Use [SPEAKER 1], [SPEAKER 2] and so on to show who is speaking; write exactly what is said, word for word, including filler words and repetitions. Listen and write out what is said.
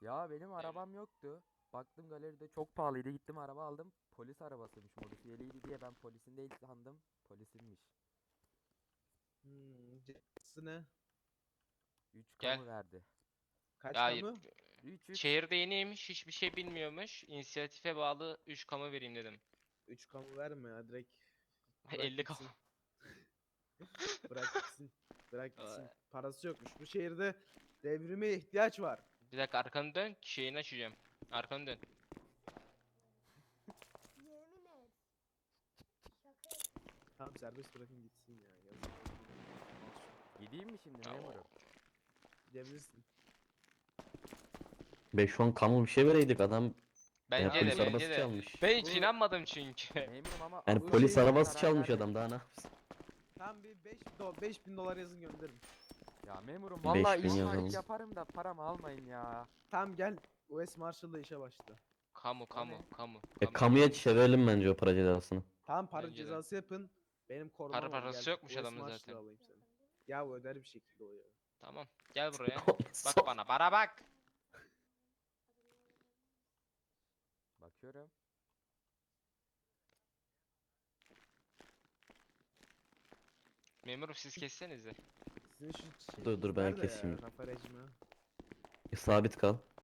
[SPEAKER 1] Ya benim arabam yoktu. Baktım galeride çok pahalıydı. Gittim araba aldım. Polis arabasıymış, modifiyeliydi diye ben polisin değil sandım. Polisinmiş.
[SPEAKER 2] Hmm, cezası ne?
[SPEAKER 1] üç
[SPEAKER 3] Gel.
[SPEAKER 1] kamu verdi.
[SPEAKER 2] Kaç
[SPEAKER 3] Hayır.
[SPEAKER 2] kamu?
[SPEAKER 1] üç üç.
[SPEAKER 3] Şehirde yeniymiş, hiçbir şey bilmiyormuş. İnisiyatife bağlı üç kamu vereyim dedim.
[SPEAKER 2] üç kamu verme ya, direkt bırak
[SPEAKER 3] elli kamu.
[SPEAKER 2] gitsin. Bırak gitsin. Bırak gitsin. Parası yokmuş. Bu şehirde devrime ihtiyaç var.
[SPEAKER 3] Bir dakika arkanı dön, şeyini açacağım. Arkanı dön.
[SPEAKER 4] Yemin et. Şaka yap-
[SPEAKER 2] Tamam, serbest bırakın gitsin ya. Yazık oldu.
[SPEAKER 1] Gideyim mi şimdi
[SPEAKER 3] Ya
[SPEAKER 1] memurum?
[SPEAKER 2] Gidebilirsin.
[SPEAKER 5] beş on kamu bir şey vereydik adam. Ya
[SPEAKER 3] Bence de
[SPEAKER 5] polis
[SPEAKER 2] bu-
[SPEAKER 3] bence
[SPEAKER 5] arabası
[SPEAKER 3] de.
[SPEAKER 5] çalmış.
[SPEAKER 3] Ben hiç
[SPEAKER 2] Bu-
[SPEAKER 3] inanmadım çünkü.
[SPEAKER 1] Memurum ama
[SPEAKER 5] Yani
[SPEAKER 2] Bu
[SPEAKER 5] polis
[SPEAKER 2] şey-
[SPEAKER 5] arabası
[SPEAKER 1] zarar
[SPEAKER 5] çalmış
[SPEAKER 1] vermedim.
[SPEAKER 5] adam daha ne yapsın?
[SPEAKER 2] Tam bir beş do beş bin dolar yazın gönderin.
[SPEAKER 1] Ya memurum
[SPEAKER 5] beş
[SPEAKER 1] vallahi
[SPEAKER 5] bin
[SPEAKER 1] iş var,
[SPEAKER 5] yazalım.
[SPEAKER 1] iş yaparım da paramı almayın ya.
[SPEAKER 2] Tamam gel. U S Marshall'da işe başla.
[SPEAKER 3] Kamu
[SPEAKER 1] O
[SPEAKER 3] kamu
[SPEAKER 1] ne?
[SPEAKER 3] kamu.
[SPEAKER 5] E,
[SPEAKER 3] kamu.
[SPEAKER 5] kamuya çevirelim bence o para cezasını.
[SPEAKER 2] Tamam, para
[SPEAKER 3] Bence de.
[SPEAKER 2] cezası yapın. Benim korumam
[SPEAKER 3] Para
[SPEAKER 2] ol,
[SPEAKER 3] parası
[SPEAKER 2] gel.
[SPEAKER 3] yokmuş
[SPEAKER 2] U S
[SPEAKER 3] adamın
[SPEAKER 2] Marshall'da
[SPEAKER 3] zaten.
[SPEAKER 2] alayım seni. Ya o öder bir şekilde o ya.
[SPEAKER 3] Tamam. Gel buraya.
[SPEAKER 5] Son-
[SPEAKER 3] Bak bana, bana bak.
[SPEAKER 1] Bakıyorum.
[SPEAKER 3] Memurum siz kessenize.
[SPEAKER 2] Sizin şu
[SPEAKER 5] Dur, dur, ben
[SPEAKER 2] nerede ya?
[SPEAKER 5] keseyim.
[SPEAKER 2] Rafa rejimi.
[SPEAKER 5] E, sabit kal.